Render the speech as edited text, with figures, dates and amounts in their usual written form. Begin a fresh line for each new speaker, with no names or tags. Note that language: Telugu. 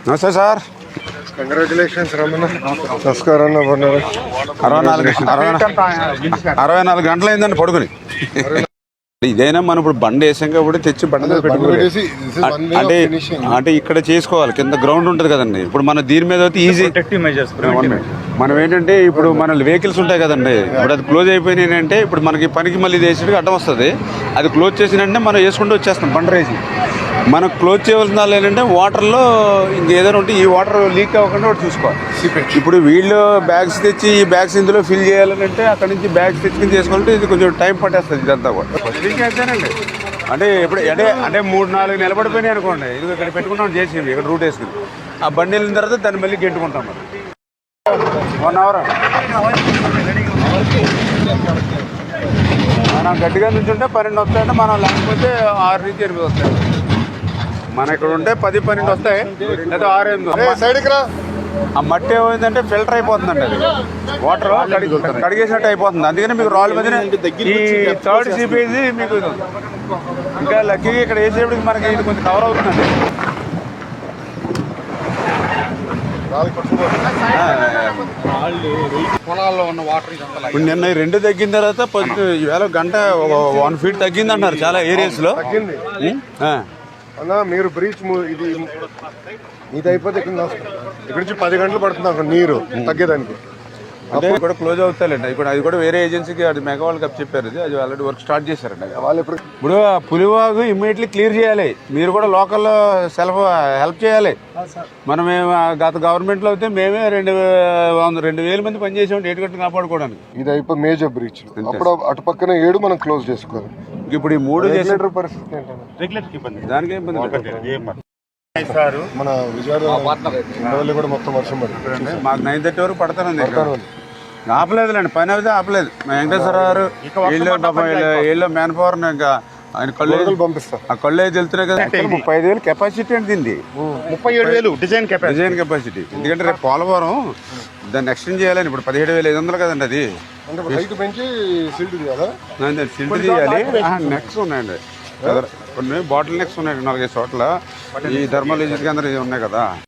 నమస్తే సార్.
కంగ్రాచులేషన్స్ రమణ. నమస్కారం.
64 గంటలు అయిందండి పడుకుని. ఇదైనా మనం ఇప్పుడు బండి వేసాం కాబట్టి తెచ్చి బండి అంటే ఇక్కడ చేసుకోవాలి. కింద గ్రౌండ్ ఉంటుంది కదండి. ఇప్పుడు మన దీని మీద అయితే ఈజీ మనం ఏంటంటే ఇప్పుడు మన వెహికల్స్ ఉంటాయి కదండి. ఇప్పుడు అది క్లోజ్ అయిపోయినాయి అంటే ఇప్పుడు మనకి పనికి మళ్ళీ వేసేటికి అడ్డం వస్తుంది. అది క్లోజ్ చేసినంటే మనం వేసుకుంటూ వచ్చేస్తాం బండి రేసి. మనం క్లోజ్ చేయవలసిన వాళ్ళు ఏంటంటే వాటర్లో ఇంకేదైనా ఉంటే ఈ వాటర్ లీక్ అవ్వకుండా ఒకటి చూసుకోవాలి. ఇప్పుడు వీళ్ళు బ్యాగ్స్ తెచ్చి ఈ బ్యాగ్స్ ఇందులో ఫిల్ చేయాలంటే అక్కడ నుంచి బ్యాగ్స్ తెచ్చుకుని చేసుకోవాలంటే ఇది కొంచెం టైం పట్టేస్తుంది ఇదంతా కూడా. అంతేనండి. అంటే ఇప్పుడు అంటే 3-4 నిలబడిపోయినాయి అనుకోండి. ఇది ఇక్కడ పెట్టుకుంటాం చేసి ఇక్కడ రూట్ వేసుకుని ఆ బండి వెళ్ళిన తర్వాత దాన్ని మళ్ళీ గెంటుకుంటాం. మరి 1 అవర్ మనం గట్టిగా నుంచి ఉంటే 12 వస్తాయంటే మనం లేకపోతే 6 నుంచి 8 వస్తాయి. మన ఇక్కడ ఉంటే 10-12 వస్తాయి లేదా 6-8. ఆ మట్టి ఏమైందంటే ఫిల్టర్ అయిపోతుందండి. అది వాటర్ కడిగేసినట్టు అయిపోతుంది. అందుకని మీకు రాళ్ళ మధ్యన ఈ 3rd సీపేజీ మీకు ఇంకా లక్కీగా ఇక్కడ వేసేప్పటికి మనకి ఇది కొంచెం కవర్ అవుతుందండి.
పొలాల్లో ఉన్న వాటర్
ఇప్పుడు నిన్న 2 తగ్గిన తర్వాత ఈవేళ గంట 1 ఫీట్ తగ్గింది అంటారు చాలా ఏరియాస్లో.
అన్నా మీరు బ్రీచ్ ఇది అయిపోతే ఇక్కడ నుంచి 10 గంటలు పడుతుంది అక్కడ నీరు తగ్గేదానికి.
అంటే కూడా క్లోజ్ అవుతాయండి. ఇప్పుడు అది కూడా వేరే ఏజెన్సీకి అది మెగా వాళ్ళకి చెప్పారు. అది ఆల్రెడీ వర్క్ స్టార్ట్ చేశారండి. వాళ్ళు ఇప్పుడు పులివాగు ఇమ్మీడియట్లీ క్లియర్ చేయాలి. మీరు కూడా లోకల్లో హెల్ప్ చేయాలి. మనం గత గవర్నమెంట్లో అయితే మేమే 2,000 మంది పనిచేసాం ఏటుగట్టు కాపాడుకోవడానికి.
ఇది అయిపోయి మేజర్ బ్రీచ్. అప్పుడు అటు పక్కన 7 మనం క్లోజ్ చేసుకోవాలి.
ఇప్పుడు ఈ 3 చేసే
పరిస్థితి ఏంటంటే
దానికి ఇబ్బంది.
మన విజయవాడ కూడా మొత్తం వర్షం పడుతుంది.
మాకు 9:30 వరకు పడతానండి. ఆపలేదులేండి, పని అయితే ఆపలేదు. మా వెంకటేశ్వర గారు వీళ్ళు మ్యాన్ పవర్ ఇంకా ఆయన కళ్ళు
పంపిస్తారు.
ఆ కళ్ళు అయితే వెళ్తున్నాయి కదా. 35,000 కెపాసిటీ అండి దీన్ని.
37,000 డిజైన్
కెపాసిటీ. ఎందుకంటే రేపు పోలవరం దాన్ని ఎక్స్టెండ్ చేయాలని. ఇప్పుడు 17,500 కదండి అది.
పెంచి సిల్ట్ కదా,
సిల్ట్ చేయాలి. నెక్స్ ఉన్నాయండి, కొన్ని బాటిల్ నెక్స్ ఉన్నాయి 4-5 చోట్ల. ఈ థర్మల్ ఏజెన్సీ కేంద్రం ఉన్నాయి కదా.